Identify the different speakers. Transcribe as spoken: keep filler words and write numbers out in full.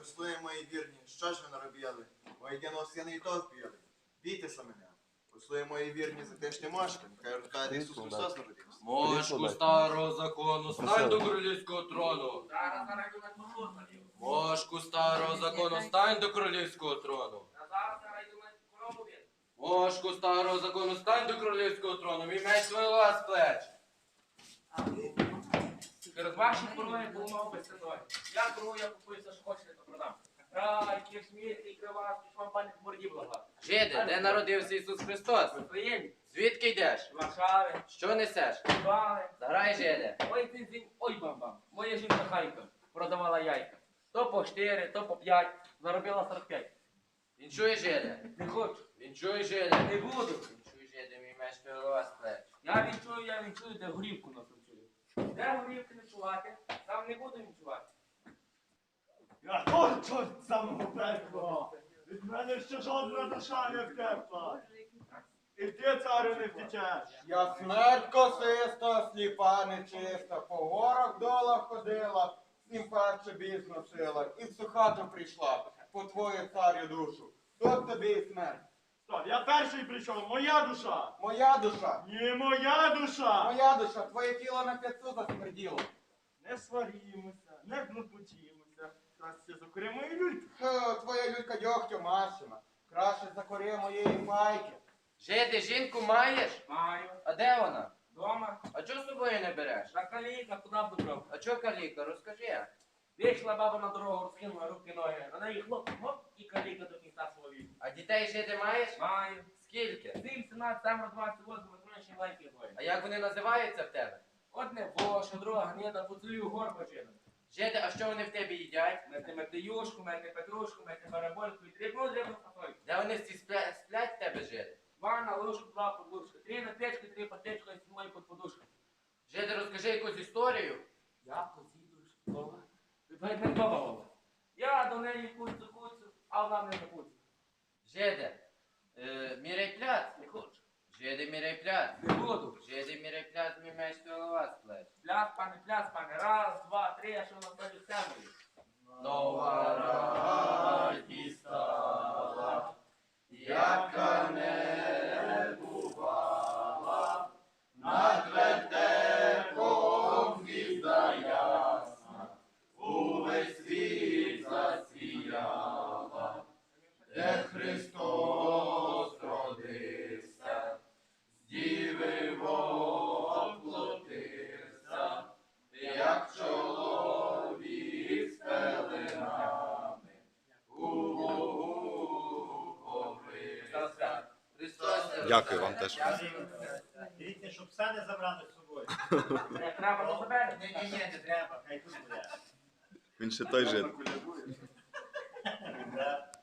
Speaker 1: послуги мої вірні, що ж ви наробили? Мої діноси і то вп'яли. Бійтеся мене. Послуги мої вірні, затишні мошки, нехай розкаже Ісус Христос народився.
Speaker 2: Мошку старого закону, стань до королівського трону.
Speaker 3: Зараз зарайдуть послухати.
Speaker 2: Мошку старого закону, стань до королівського трону.
Speaker 3: Зараз зарайдуть корову він.
Speaker 2: Мошку старого закону, стань до королівського трону. Мій меч твоєго з плеч.
Speaker 3: Через ваші пороги був мав би синой. Я кору, я купую все, що хочете, то продам. Рай, кишмір, і кривас, і шампань в борді блага.
Speaker 2: Жиде, де народився Ісус Христос?
Speaker 3: Ви приємні?
Speaker 2: Звідки йдеш?
Speaker 3: Варшави,
Speaker 2: Що несеш?
Speaker 3: бали.
Speaker 2: Заграй, жиде.
Speaker 3: Ой, ти зінь, ой, бам-бам. Моя жінка Хайка продавала яйка. То по чотири, то по п'ять. Заробила сорок п'ять.
Speaker 2: Він чує, жиде.
Speaker 3: Не хочу.
Speaker 2: Він чує, жиде.
Speaker 3: Не буду.
Speaker 2: Він чує, жиде, мій меч твоєго з плеч.
Speaker 3: Я відчую, я відчую, де горівку носом чую. Де горівки не чувати, там не буду відчувати.
Speaker 4: Я хочу самого пекла. Від мене ще жодна душа не втекла. І ти, царю, не втечеш.
Speaker 5: Я смерть косиста, сліпа нечиста, по горах долах ходила, снім перше біс носила, і в цю хату прийшла, по твою царю душу. Тут тобі і смерть.
Speaker 4: Стоп, я перший прийшов, моя душа.
Speaker 5: Моя душа,
Speaker 4: Ні, моя душа.
Speaker 5: моя душа, твоє тіло на п'ятцю засмерділо.
Speaker 4: Не сварімося, не блудбучімося. Краще закури мої люльки.
Speaker 5: Хе, твоя люлька дьогтю машина, краще закори моєї майки.
Speaker 2: Жиде, жінку маєш?
Speaker 3: Маю.
Speaker 2: А де вона?
Speaker 3: Дома.
Speaker 2: А чого з собою не береш?
Speaker 3: На каліка, куди б добрав?
Speaker 2: А чого каліка? Розкажи.
Speaker 3: Вийшла баба на дорогу, розкинула руки, ноги. На неї хлоп, хоп, і каліка до кінця свого віку.
Speaker 2: А дітей жити маєш?
Speaker 3: Маю.
Speaker 2: Скільки?
Speaker 3: Сім, сімнадцять, семеро, двадцять, восьмеро, троє, лайки двоє.
Speaker 2: А як вони називаються в тебе?
Speaker 3: Одне воша, друга гніда, поцілую горбачина.
Speaker 2: Жиде, а що вони в тебе їдять?
Speaker 3: Мети метеюшку, мети петрушку, мети барабольку і дрібну дрібну фасольку.
Speaker 2: Де вони всі сплять, сплять в тебе жити?
Speaker 3: Ванна, ложку, два подушки. Три на печку, три патечку і сімої під подушку.
Speaker 2: Жиде, розкажи якусь історію.
Speaker 3: Я позідуш, дома. Ви не дома. Я до неї куцю, куцю, а вона не куцю.
Speaker 2: Жиде, е, міряй пляц.
Speaker 3: Не хочу.
Speaker 2: Жиде, міряй пляц.
Speaker 3: Не буду.
Speaker 2: Жиде, міряй пляц, мій меч твоєго з плеч.
Speaker 3: Пляс, пане, пляс, пане. Раз, два, три, а що на столі сценою?
Speaker 2: Нова радість стала, яка не бувала, над вертепом звізда ясна, увесь світ засіяла, де Христос родився, з діви воплотився, як чоловік з пеленами, у Богу повився. Христос не
Speaker 6: Дякую вам теж.
Speaker 4: Дивіться, щоб все не забрати з собою.
Speaker 3: Не треба до себе?
Speaker 4: Ні, ні, ні, не треба, хай тут буде.
Speaker 6: Він ще той жит.
Speaker 4: Да.